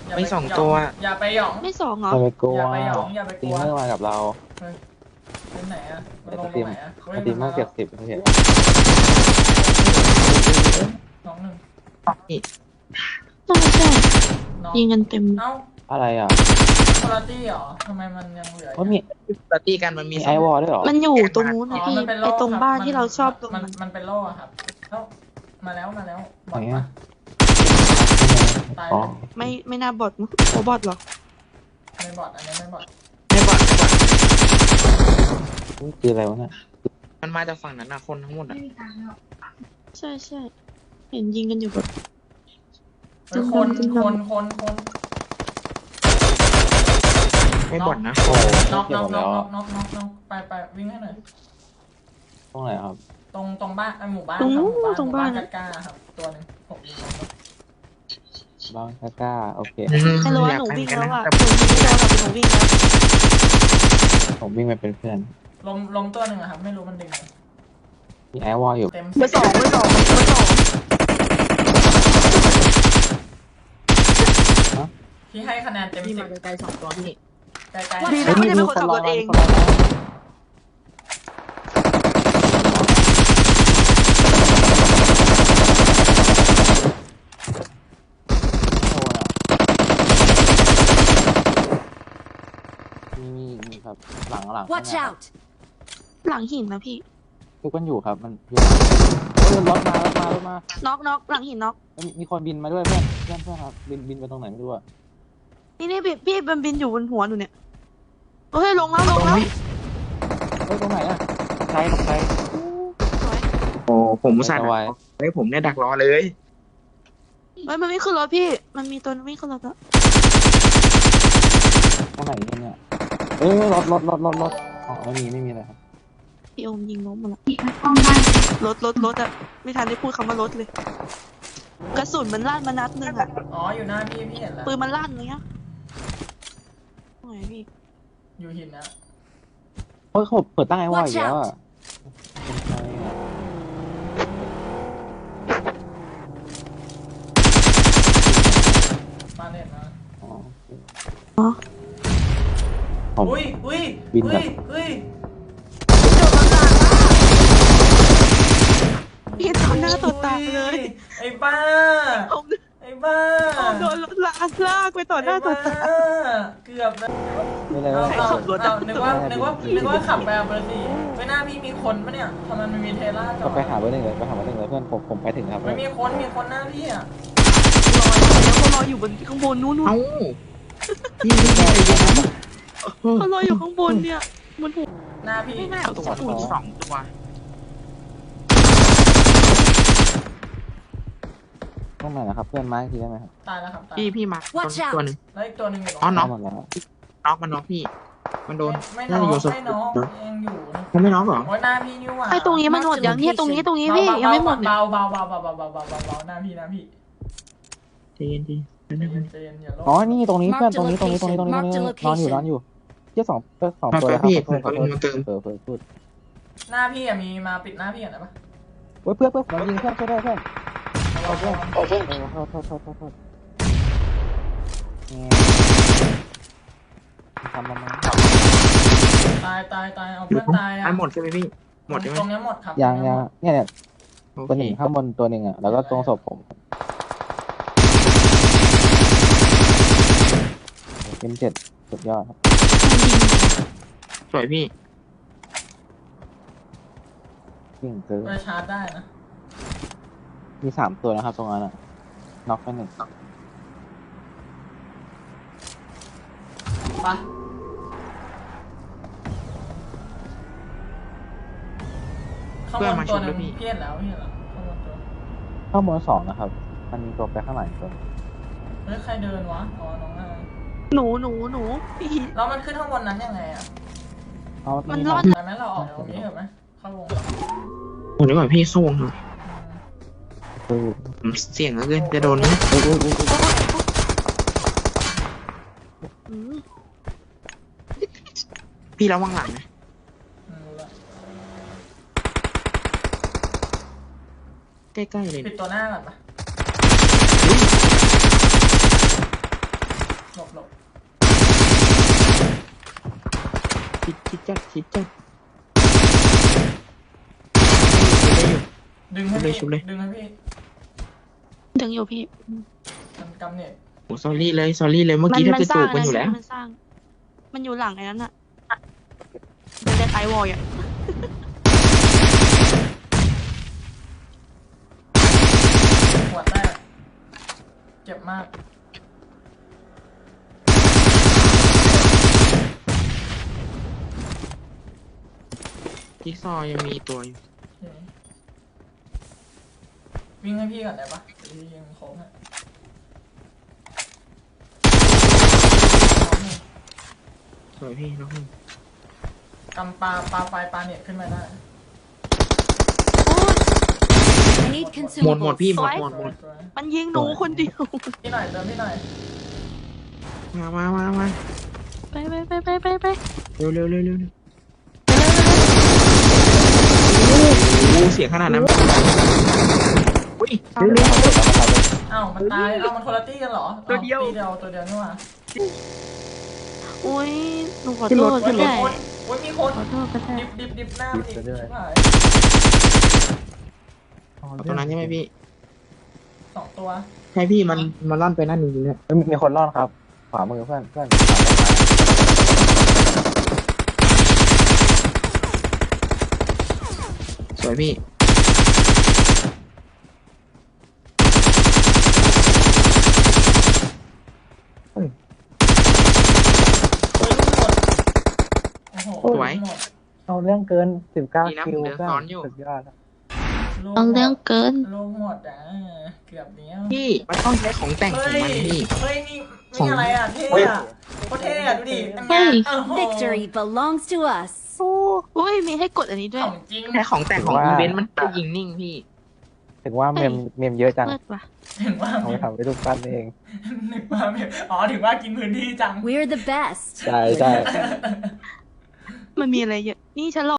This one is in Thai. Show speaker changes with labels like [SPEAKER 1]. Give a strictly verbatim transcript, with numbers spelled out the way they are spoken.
[SPEAKER 1] ไม่สองตัว
[SPEAKER 2] อย่าไปหยอง
[SPEAKER 3] ไม่สองเหรอ
[SPEAKER 4] อย่าไปกลัว
[SPEAKER 2] อย่าไปหยองอย่าไปก
[SPEAKER 4] ตี
[SPEAKER 2] ลัว
[SPEAKER 4] เมอร์มากับเรา
[SPEAKER 2] เป็นไหนอะมันลง
[SPEAKER 4] ส
[SPEAKER 2] ต
[SPEAKER 4] ตรี
[SPEAKER 2] รง
[SPEAKER 4] ม
[SPEAKER 2] ไหนอะ
[SPEAKER 4] สตรีมเมอร์เก็บสิบเห็น
[SPEAKER 2] น้องหนึ่ง
[SPEAKER 3] ใช่ใช่
[SPEAKER 2] น้อง
[SPEAKER 3] ยิงกันเต็ม
[SPEAKER 2] เอ้า
[SPEAKER 4] อะไรอ่ะ
[SPEAKER 2] คุณภาพเหรอทำไมมันยังเหลือ
[SPEAKER 4] ว่ามี
[SPEAKER 1] ปาร์ตี้กันมันมี
[SPEAKER 4] มีไอวอลด้วยเหรอ
[SPEAKER 3] มันอยู่ตรงนู้น
[SPEAKER 2] อ๋
[SPEAKER 3] นะ
[SPEAKER 2] อ
[SPEAKER 3] พี่
[SPEAKER 2] มันเป็นโล่
[SPEAKER 3] ไอตรงบ้าน
[SPEAKER 2] คบ
[SPEAKER 3] ที่เราชอบตรง
[SPEAKER 2] มัน
[SPEAKER 3] นั้น
[SPEAKER 2] มันเป็นโล่อะครับแล้วมาแล้วมาแล้วบอ
[SPEAKER 4] ไหน
[SPEAKER 2] ก
[SPEAKER 4] อ่ะ
[SPEAKER 2] ตาย
[SPEAKER 4] อ๋อ
[SPEAKER 3] ไม่ไม่น่าบอดมั้งโอบอดเหรอ
[SPEAKER 2] ไม่บอดอันนี้ไม่บอด
[SPEAKER 1] ไม่บอดไม่บอด
[SPEAKER 4] นี่คืออะไรวะเนี่ย
[SPEAKER 1] มันมาจากฝั่งนั้นนะคนทั้งหมดอ่ะ
[SPEAKER 3] ใช่ใช่เห็นยิงกันอยู่แบบ
[SPEAKER 2] เฮ้ยคนคนคนคน
[SPEAKER 1] ไม่บอดนะ
[SPEAKER 4] โอ้
[SPEAKER 2] น็อก
[SPEAKER 4] เกี่ย
[SPEAKER 2] น็
[SPEAKER 4] ว
[SPEAKER 2] อก
[SPEAKER 4] หมด
[SPEAKER 2] น็
[SPEAKER 4] แล้
[SPEAKER 2] อ
[SPEAKER 4] ว
[SPEAKER 2] กน็อกน็อกน็อกไปไปวิ่งให้หน่อย
[SPEAKER 4] ตรงไหนครับ
[SPEAKER 2] ตรงตรงบ้านไอหมู่บ้าน
[SPEAKER 3] ตรง
[SPEAKER 2] ค
[SPEAKER 3] นู้
[SPEAKER 2] บ
[SPEAKER 3] นตรงบ้าน
[SPEAKER 2] หมู่กล้าๆครับตัวหนึงผมยิงมัน
[SPEAKER 4] บ้างกล้าโอเค
[SPEAKER 3] ใครรู้ว่าหนูวิ่งแล้วอ่ะหนูวิ่งไม่โดนหรอกหนูวิ่งแล้ว
[SPEAKER 4] ผมวิ่งไปเป็นเพื่อน
[SPEAKER 2] ลมลมตัวหนึ่งอะครับไม่รู้มันดึงไหม
[SPEAKER 4] มีไอวอลอยู่
[SPEAKER 2] เต็ม
[SPEAKER 3] เบอร์สองเบอร์สองเบอร์สอง
[SPEAKER 2] พี่ให้คะแนนเต็ม
[SPEAKER 1] พี่
[SPEAKER 2] สิ
[SPEAKER 1] มา
[SPEAKER 2] บ
[SPEAKER 1] ไกลๆสองตัวพี่
[SPEAKER 2] ใกล้
[SPEAKER 3] ดี
[SPEAKER 2] ๆ
[SPEAKER 3] นะไม่ได้เป็นคนขับรถเอง
[SPEAKER 4] มีมีมีครับหลังหลัง
[SPEAKER 5] Watch out!
[SPEAKER 3] หลังหินนะพี่
[SPEAKER 4] ทุกคนอยู่ครับมันเฮ้ยรถมารถมารถมา
[SPEAKER 3] น็อกน็อกหลังหินน็อก
[SPEAKER 4] มีมีคนบินมาด้วยเพื่อนเพื่อนเพื่อนครับบินบินไปตรงไหนไม่รู้อะ
[SPEAKER 3] นี่นี่พี่พี่มันบินอยู่บนหัวหนูเนี่ยโอ้ยลงแล้วลงแล้ว
[SPEAKER 4] เฮ้ยตรงไหนอะใครใคร
[SPEAKER 3] สวย
[SPEAKER 1] โอ้ผมอุตส่าห์
[SPEAKER 4] ไว้
[SPEAKER 1] เฮ้ยผมเนี่ยดักรอเลย
[SPEAKER 3] เฮ้ยมันไม่ขึ้นรถพี่มันมีตัวไม่ขึ้นรถแล้ว
[SPEAKER 4] ตรงไหนเนี่ยเอ้ยรถรถรถรถรถอ๋อไม่มีไม่มีอะไรครับ
[SPEAKER 3] พี่โอมยิงล้มหมดละรถรถรถอะไม่ทันได้พูดคำว่ารถเลย กระสุนมันลั่นมานัดหนึ่งอะ
[SPEAKER 2] อ๋ออยู่หน้าพี่พี่เห็นแล้ว
[SPEAKER 3] ปืนมันลั่นเลยอะโอ้ยพี่
[SPEAKER 2] อยู่หินนะ
[SPEAKER 4] เฮ้ยเขาเปิดตั้งไอวอลอีกแล้วอะเป็นใครอะ
[SPEAKER 2] มาเน็ตนะ
[SPEAKER 4] อ๋อ
[SPEAKER 3] อ๋อ
[SPEAKER 4] ผม
[SPEAKER 2] อุ้ยอุ้ย
[SPEAKER 4] บิน
[SPEAKER 2] อุ้
[SPEAKER 4] แบ
[SPEAKER 2] ย
[SPEAKER 4] บ
[SPEAKER 2] อุ้ย
[SPEAKER 3] พี่ต่อหน้าต่อตาเลย
[SPEAKER 2] ไอ้บ้า
[SPEAKER 3] ผม
[SPEAKER 2] ไอ้บ้า
[SPEAKER 3] ผมโดนรถลากลากไปต่อหน้าต่อตา
[SPEAKER 2] ไอ้บ้เกือบแล้ว
[SPEAKER 4] ไม่เลย
[SPEAKER 2] เอา
[SPEAKER 4] ว่า
[SPEAKER 2] เอา
[SPEAKER 3] ขับรถ
[SPEAKER 2] เอานึกว่านึกว่านึกว่าขับไปเอาเบอร์สี่ไม่น่าพี่มีคนปะเนี่ยทำไมมันมีเทล่าจอ
[SPEAKER 4] ก็
[SPEAKER 2] ด
[SPEAKER 4] ไปหาเบอร์หนึ่งเลยไปหาเบอร์หนึ่งเลยเพื่อนผมผมไปถึงครับ
[SPEAKER 2] ไม่มีคนมีคนหน้าพี่อ่ะ
[SPEAKER 3] แล้วเขารออยู่บนข้างบนนู้นนู้น
[SPEAKER 1] เอ้าพี่พี่ใจเย็นนะ
[SPEAKER 3] เขารออยู่ข้างบนเนี่ยบนหัว
[SPEAKER 2] หน้าพี่
[SPEAKER 3] ไม่น่าเอา
[SPEAKER 1] ตัว
[SPEAKER 3] จับ
[SPEAKER 1] ตัวสองตัว
[SPEAKER 4] ตรงไหนนะครับเพื่อนไม้ทีได้ไหมครับ
[SPEAKER 2] ตายแล้วครับตาย
[SPEAKER 1] พี่พี่มาตัว
[SPEAKER 5] Watch out
[SPEAKER 1] ตัวหนึ่ง
[SPEAKER 2] แล้วอีกตัวหนึงอยู่ตรง
[SPEAKER 1] อ๋อน็อก
[SPEAKER 4] หมดแล้ว
[SPEAKER 1] น็อกมันน็อกพี่ มันโดน
[SPEAKER 2] ไม่
[SPEAKER 1] น่า
[SPEAKER 2] น้อ
[SPEAKER 1] จะ
[SPEAKER 2] ง
[SPEAKER 1] โยนศพ
[SPEAKER 2] ไม่น้องยังอยู่นะ
[SPEAKER 1] มันไม่น็อกเหรอ
[SPEAKER 2] โอ้ยหน้าพี่นี่หว่า
[SPEAKER 3] ไอ้ตรงนี้มันหมดยังเนี่ยตรงนี้ตรงนี้พี่ยังไม่หมดเนี่ย
[SPEAKER 2] เบาเบาเบาเบาเบาเบาเบาเบาเบาหน้าพี่หน้าพี่
[SPEAKER 1] ใจเย็นดี
[SPEAKER 2] ใจเย็นใจเย็นอย่าโลภ
[SPEAKER 4] อ๋อนี่ตรงนี้เพื่อนตรงนี้ตรงนี้ตรงนี้ตรงนี้ตรงนี้นอนอยู่นอนอยู่เที่ยสองเออสองตัวเลยครับขอโทษขอโทษเออเพื่อพูด
[SPEAKER 2] หน้าพี่อะมีมาปิดหน้าพี่อะนะปะ
[SPEAKER 4] เฮ้ยเพื่อนเพื่อนผมยิงเพื่อนช่วยด้วยเพื่อนเอาเพื่อนเอาเพื่อนเออโทษโทษโทษโทษโทษเนี่ยทำมันมา
[SPEAKER 2] ตายตายตายเอา
[SPEAKER 1] หรือ
[SPEAKER 2] เพื่อนตายอะ
[SPEAKER 1] อันหมดใช่ไหมพี่ หมดใช่ไหม
[SPEAKER 2] ตรงเนี้ยหมดครับ
[SPEAKER 4] ยังยังเนี่ยเนี่ย
[SPEAKER 1] โอ
[SPEAKER 4] ตัว
[SPEAKER 1] เค
[SPEAKER 4] หนึ่งข้างบนตัวหนึ่งอ่ะแล้วก็ตรงศพผมเอ็มเจ็ดสุดยอดครับ
[SPEAKER 1] สวยพี่
[SPEAKER 4] ยิงเกิน
[SPEAKER 2] ไปชาร์จได้นะ
[SPEAKER 4] มีสามตัวนะครับตรงนั้นอ่ะน็อกไปหนึ่ง
[SPEAKER 2] ไปข้างบนตัวหนึงพี่เห็นแล้วพี่เห็นแล้วข้างบนตัว
[SPEAKER 4] ข้างบนสองนะครับ มันมีตัวไปข้างหลังตัว
[SPEAKER 2] เฮ้ยใครเดินวะอ๋อน้องนาย
[SPEAKER 3] หนูหนูหนูพี่
[SPEAKER 2] แล้วมันขึ้นข้างบนนั้นยังไงอะ
[SPEAKER 4] เอา
[SPEAKER 3] มัน
[SPEAKER 4] มี
[SPEAKER 3] รอด
[SPEAKER 2] ไปไหมเราออกตรงนี้เหรอไหมเข้าวง
[SPEAKER 1] ผมนึกว่าพี่เข้าวงครับ
[SPEAKER 4] เออ
[SPEAKER 1] ผมเสี่ยงเหลือเกินจะโดนไหม
[SPEAKER 4] เออเออเออเออ
[SPEAKER 3] อืม
[SPEAKER 1] พี่ระวังหลังนะ
[SPEAKER 2] อืมรู้ละ
[SPEAKER 1] ใกล้ๆเลย
[SPEAKER 2] ปิดตัวหน้าก่อนปะ
[SPEAKER 1] ชิดจัดชิดจัด
[SPEAKER 2] ดึงให้
[SPEAKER 1] ชุ
[SPEAKER 2] พี่
[SPEAKER 1] บเลยชุบเลย
[SPEAKER 2] ดึงให้พี่
[SPEAKER 3] ถึงอยู่พี่
[SPEAKER 2] มันกำเน็ต
[SPEAKER 1] โอ้ซอรี่เลยซอรี่เลยเมื่อกี้แทบจะจูบกันอยู่แล้ว
[SPEAKER 3] มันสร้าง มันอยู่หลังไอ้นั้นอะมันจะไอวอลอ่ะ
[SPEAKER 2] หัวแตกเจ็บมาก
[SPEAKER 1] จิ๊กซอว์ยังมีตัวอยู่
[SPEAKER 2] โอเควิ่งให้พี่ก่อนได้ปะเดี๋ยวพี่ยิงโค้งให้พร้อมหนึ่ง
[SPEAKER 1] สวยพี่น้องพี่
[SPEAKER 2] กำปลาปลาไฟปลาเน็ตขึ้นมาได้
[SPEAKER 5] I need
[SPEAKER 1] หมดหมด
[SPEAKER 5] consumables.
[SPEAKER 1] พี่หมด
[SPEAKER 3] สวย
[SPEAKER 1] หมดหมด
[SPEAKER 2] สวย
[SPEAKER 3] มันยิงหนูคนเดียว
[SPEAKER 2] พี่หน่อยเติมพี่หน่อย
[SPEAKER 1] มามามามา
[SPEAKER 3] ไปไปไปไปไปไป
[SPEAKER 1] เร็วเร็วเร็วเร็วเร็วโอ้โหเสียงขนาดนั้นอุ้ยเร็วเร็ว
[SPEAKER 2] อ้าวมันตายอ้าวมันคนละตี้กันเหรอ
[SPEAKER 1] ตัวเดียว
[SPEAKER 2] อ้าตี้เดียวตัวเดียวนี่หว่า
[SPEAKER 3] อุ้ยหนูขอ
[SPEAKER 1] ขึ้น
[SPEAKER 3] โท
[SPEAKER 1] รถ
[SPEAKER 3] ษ
[SPEAKER 2] โอ้ย
[SPEAKER 3] ก็
[SPEAKER 2] มี
[SPEAKER 3] ได้
[SPEAKER 2] คนโอ้ยมีคน
[SPEAKER 3] ขอโทษก็ได้
[SPEAKER 2] ดิบดิบดิบหน้ามันอีกชิบหาย
[SPEAKER 1] เอาตรงนั้นใช่ไหมพี่
[SPEAKER 2] สองตัว
[SPEAKER 1] ใช่พี่มันมันลั่นไปนั่นจริงๆเนี่ย
[SPEAKER 4] เอ้ยมีคนรอดครับ ขวามือเพื่อนเพื่อน
[SPEAKER 1] สวยพี่
[SPEAKER 2] เฮ้ยลูกหมดโอ้โห
[SPEAKER 1] สวย
[SPEAKER 2] ลูกหมด
[SPEAKER 4] เอาเรื่องเกินสิบเก้า
[SPEAKER 1] ดีนะ
[SPEAKER 4] คิว
[SPEAKER 1] ผมเดิน
[SPEAKER 4] เพื่อน
[SPEAKER 1] ซ้อนอยู่
[SPEAKER 4] สุดยอดอะ
[SPEAKER 2] ลูก
[SPEAKER 3] ต้องเรื่องเกิน
[SPEAKER 2] ลูกหมดอ่ะเกือบเนี้ย
[SPEAKER 1] พี่มันต้องใช้ของแต่งของ
[SPEAKER 2] เฮ้ย
[SPEAKER 1] มันพี่
[SPEAKER 2] เฮ้ยนี่
[SPEAKER 1] ของ
[SPEAKER 2] นี่อะไรอ่ะเท่อะโคตรเท่อะดูดิอัน
[SPEAKER 3] เฮ้
[SPEAKER 2] เนี้ย
[SPEAKER 3] ย
[SPEAKER 2] โอ้โห
[SPEAKER 5] Victory belongs to us.
[SPEAKER 3] โอ้อุ้ยมีให้กดอันนี้ด้วย
[SPEAKER 2] ของจริง
[SPEAKER 1] ใช้ของแต่งของอีเวนต์มันจะยิงนิ่งพี่
[SPEAKER 4] ถึงว่าเมมเมมเยอะจัง
[SPEAKER 3] เลิศว่ะ
[SPEAKER 2] ถึงว่า
[SPEAKER 4] เอาไปทำไปรูปปั้นเอง
[SPEAKER 2] ถึงว่าอ๋อถึงว่ากินพื้นที่จัง
[SPEAKER 5] We're the best.
[SPEAKER 4] ใช่ใช่
[SPEAKER 3] มันมีอะไรเยอะ นี่ฉันรอ